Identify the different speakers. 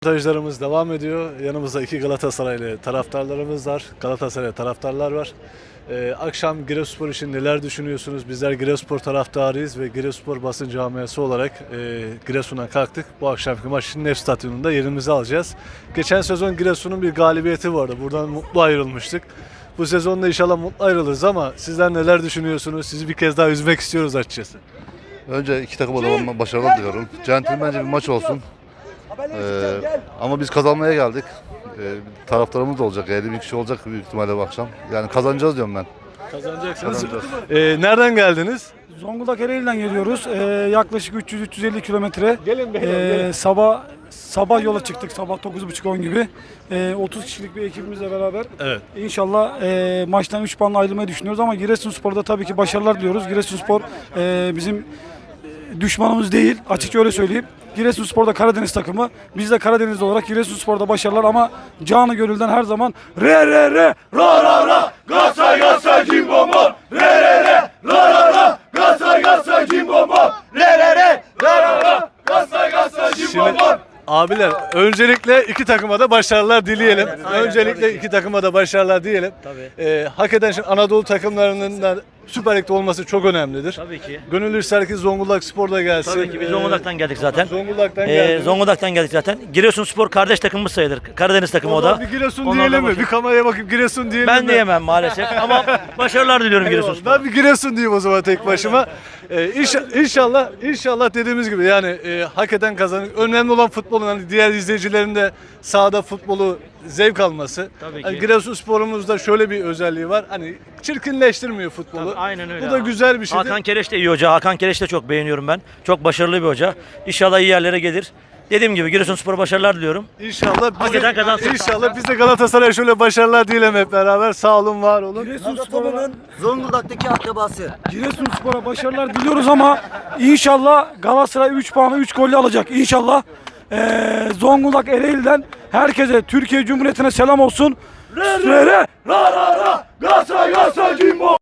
Speaker 1: Röportajlarımız devam ediyor. Yanımızda iki Galatasaraylı taraftarlarımız var. Galatasaray taraftarlar var. Akşam Giresunspor için neler düşünüyorsunuz? Bizler Giresunspor taraftarıyız ve Giresunspor basın camiası olarak Giresun'a kalktık. Bu akşamki maçın Nef Stadyumunda yerimizi alacağız. Geçen sezon Giresun'un bir galibiyeti vardı. Buradan mutlu ayrılmıştık. Bu sezonda inşallah mutlu ayrılırız ama sizler neler düşünüyorsunuz? Sizi bir kez daha üzmek istiyoruz açıkçası.
Speaker 2: Önce iki takıma da başarılar diliyorum. Centilmence bir maç olsun. Ama biz kazanmaya geldik. Taraftarımız da olacak, 50 bin kişi olacak büyük ihtimalle bu akşam. Yani kazanacağız diyorum ben.
Speaker 1: Kazanacaksınız. Nereden geldiniz?
Speaker 3: Zonguldak Ereğli'den geliyoruz. Yaklaşık 300-350 kilometre.
Speaker 1: Gelin.
Speaker 3: Sabah yola çıktık. Sabah 9.30-10 gibi. 30 kişilik bir ekibimizle beraber.
Speaker 1: Evet.
Speaker 3: İnşallah maçtan 3 puanla ayrılmayı düşünüyoruz ama Giresunspor'da tabii ki başarılar diliyoruz. Giresunspor bizim düşmanımız değil. Açıkça öyle söyleyeyim. Giresunspor'da Karadeniz takımı. Biz de Karadenizli olarak Giresunspor'da başarılar ama canı gönülden her zaman re re re ra ra ra Galatasaray Galatasaray cimbombo re re re ra ra ra Galatasaray Galatasaray cimbombo re re re ra ra ra Galatasaray Galatasaray cimbombo.
Speaker 1: Abiler öncelikle iki takıma da başarılar dileyelim. Öncelikle iki takıma da başarılar diyelim.
Speaker 4: Tabii.
Speaker 1: Hakikaten şimdi Anadolu takımlarının da Süper Lig'de olması çok önemlidir.
Speaker 4: Tabii ki.
Speaker 1: Gönül ister ki Zonguldak Spor da gelsin.
Speaker 4: Tabii ki biz Zonguldak'tan geldik zaten.
Speaker 1: Zonguldak'tan geldik.
Speaker 4: Zonguldak'tan geldik zaten. Giresunspor kardeş takımımız sayılır. Karadeniz takımı o da.
Speaker 1: Bir Giresun
Speaker 4: Onlar da
Speaker 1: diyelim mi?
Speaker 4: başarılı.
Speaker 1: Bir kameraya bakıp Giresun diyelim
Speaker 4: Ben
Speaker 1: mi?
Speaker 4: diyemem maalesef ama başarılar diliyorum Giresunspor.
Speaker 1: Ben bir Giresun diyeyim o zaman tek başıma. İnşallah dediğimiz gibi yani hakikaten kazanır. Önemli olan futbolun hani diğer izleyicilerin de sahada futbolu zevk alması.
Speaker 4: Tabii
Speaker 1: Hani
Speaker 4: ki.
Speaker 1: Giresunspor'umuzda şöyle bir özelliği var. Hani çirkinleştirmiyor futbolu.
Speaker 4: Tabii, aynen öyle.
Speaker 1: Bu da güzel bir şey.
Speaker 4: Hakan Kereş de iyi hoca. Hakan Kereş de çok beğeniyorum ben. Çok başarılı bir hoca. İnşallah iyi yerlere gelir. Dediğim gibi Giresunspor'a başarılar diliyorum. Hakikaten kazansın.
Speaker 1: İnşallah biz de Galatasaray'a şöyle başarılar diyelim hep beraber. Sağ olun, var olun.
Speaker 3: Giresunspor'a
Speaker 5: Zonguldak'taki akrabası.
Speaker 3: Giresunspor'a başarılar diliyoruz ama inşallah Galatasaray 3 puanı 3 golle alacak. İnşallah Zonguldak Ereğli'den herkese Türkiye Cumhuriyeti'ne selam olsun. Re re re ra ra ra Galatasaray Galatasaray Cimbo.